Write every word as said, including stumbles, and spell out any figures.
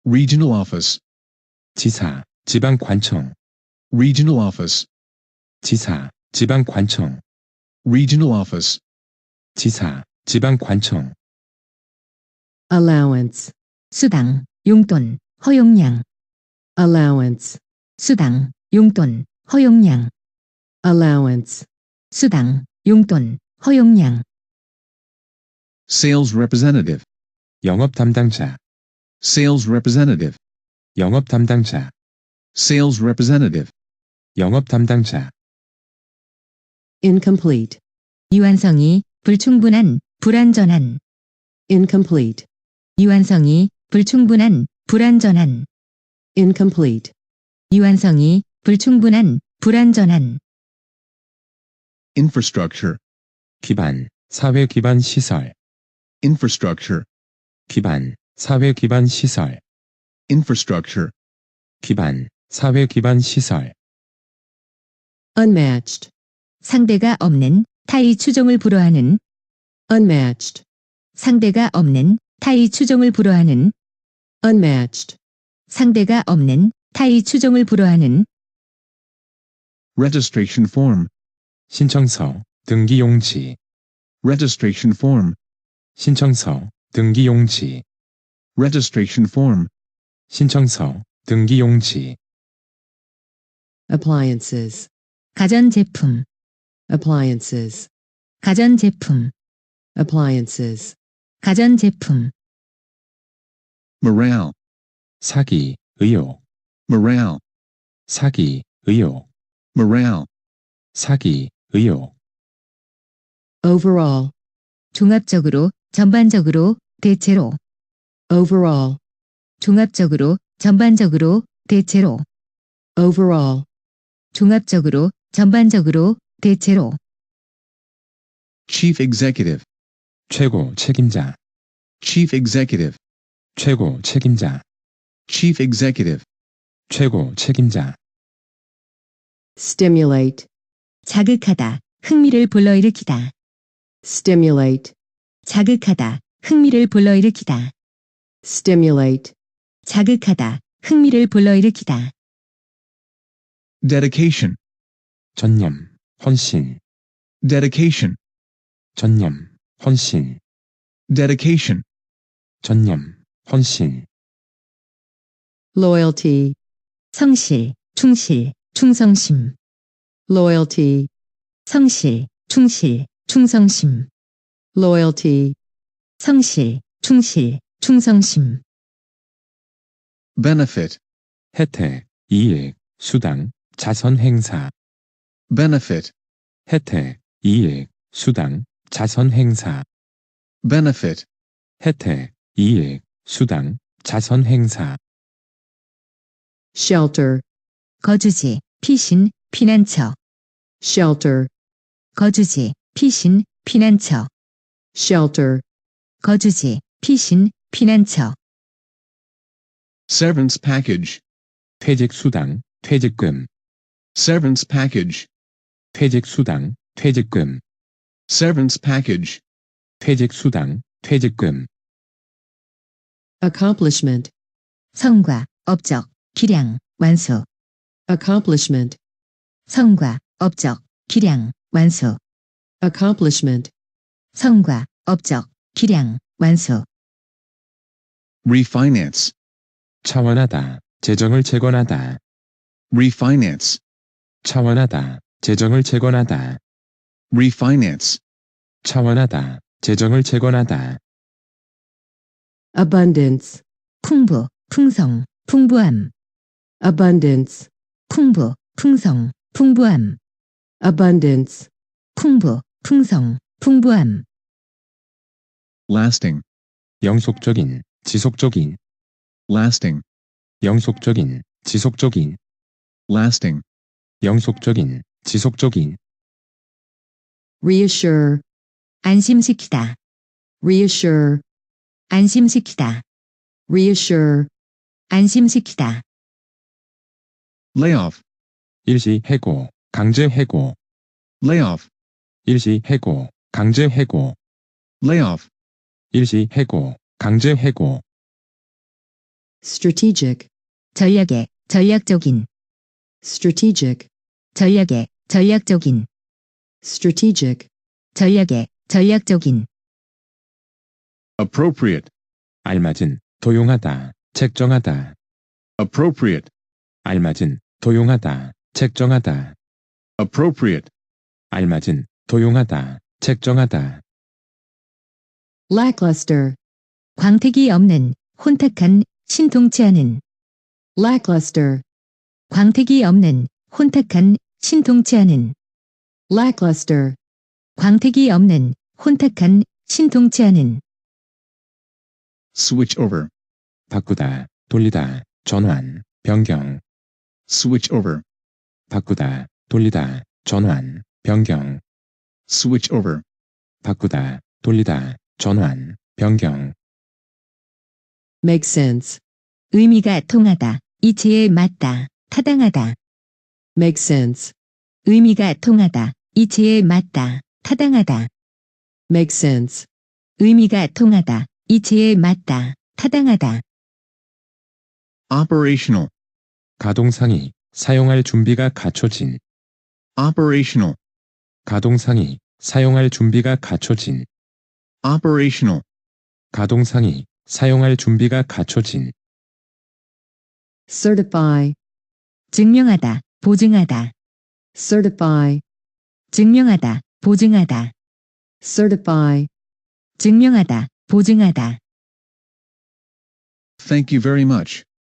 Regional office. 지사, 지방관청. Regional office. 지사, 지방관청. Regional office. 지사, 지방관청. allowance, 수당, 용돈, 허용량. allowance, 수당, 용돈, 허용량. allowance, 수당, 용돈, 허용량. Sales representative. 영업 담당자. Sales representative. 영업 담당자. Sales representative. 영업 담당자. incomplete, 유한성이 불충분한, 불완전한. incomplete, 유한성이 불충분한, 불완전한. incomplete, 유한성이 불충분한, 불완전한. Infrastructure. 기반, 사회 기반 시설. Infrastructure. 기반, 사회 기반 시설. Infrastructure. 기반, 사회 기반 시설. unmatched, 상대가 없는, 타의 추종을 불허하는. unmatched, 상대가 없는, 타의 추종을 불허하는. unmatched, 상대가 없는, 타의 추종을 불허하는. Registration form. 신청서, 등기용지. Registration form. 신청서, 등기용지. Registration form. 신청서, 등기용지. appliances, 가전제품. appliances, 가전제품. appliances, 가전제품. Morale. 사기, 의혹. Morale. 사기, 의혹. Morale. 사기, 의혹. overall, 종합적으로, 전반적으로, 대체로. overall, 종합적으로, 전반적으로, 대체로. overall, 종합적으로, 전반적으로, 대체로. Chief executive. 최고 책임자. Chief executive. 최고 책임자. Chief executive. 최고 책임자. stimulate, 자극하다, 흥미를 불러일으키다. stimulate, 자극하다, 흥미를 불러일으키다. stimulate, 자극하다, 흥미를 불러일으키다. Dedication. 전념, 헌신. Dedication. 전념, 헌신. Dedication. 전념, 헌신. loyalty, 성실, 충실, 충성심. loyalty, 성실, 충실, 충성심. loyalty, 성실, 충실, 충성심. Benefit. 혜택, 이익, 수당, 자선 행사. Benefit. 혜택, 이익, 수당, 자선 행사. Benefit. 혜택, 이익, 수당, 자선 행사. shelter, 거주지, 피신, 피난처. shelter, 거주지, 피신, 피난처. shelter, 거주지, 피신, 피난처. Severance package. 퇴직 수당, 퇴직금. Severance package. 퇴직 수당, 퇴직금. Severance package. 퇴직 수당, 퇴직금. accomplishment, 성과, 업적, 기량, 완수. accomplishment, 성과, 업적, 기량, 완수. accomplishment, 성과, 업적, 기량, 완수. Refinance. 차원하다, 재정을 재건하다. Refinance. 차원하다, 재정을 재건하다. Refinance. 차원하다, 재정을 재건하다. abundance, 풍부, 풍성, 풍부함. abundance, 풍부, 풍성, 풍부함. abundance, 풍부, 풍성, 풍부함. Lasting. 영속적인, 지속적인. Lasting. 영속적인, 지속적인. Lasting. 영속적인, 지속적인. reassure, 안심시키다. reassure, 안심시키다. reassure, 안심시키다. Layoff. 일시 해고, 강제 해고. Layoff. 일시 해고, 강제 해고. Layoff. 일시 해고, 강제 해고. strategic, 전략의, 전략적인, strategic, 전략의, 전략적인, strategic, 전략의, 전략적인, appropriate, 알맞은, 도용하다, 책정하다, appropriate, 알맞은, 도용하다, 책정하다, appropriate, 알맞은, 도용하다, 책정하다, lackluster, 광택이 없는, 혼탁한, 신통치 않은, lackluster, 광택이 없는, 혼탁한, 신통치 않은, lackluster, 광택이 없는, 혼탁한, 신통치 않은, switch over, 바꾸다, 돌리다, 전환, 변경, switch over, 바꾸다, 돌리다, 전환, 변경, switch over, 바꾸다, 돌리다, 전환, 변경, make sense, 의미가 통하다, 이치에 맞다, 타당하다, make sense, 의미가 통하다, 이치에 맞다, 타당하다, make sense, 의미가 통하다, 이치에 맞다, 타당하다, operational, 가동상이, 사용할 준비가 갖춰진, operational, 가동상이, 사용할 준비가 갖춰진, operational, 가동상이, 사용할 준비가 갖춰진, certify, 증명하다, 보증하다, certify, 증명하다, 보증하다, certify, 증명하다, 보증하다. thank you very much.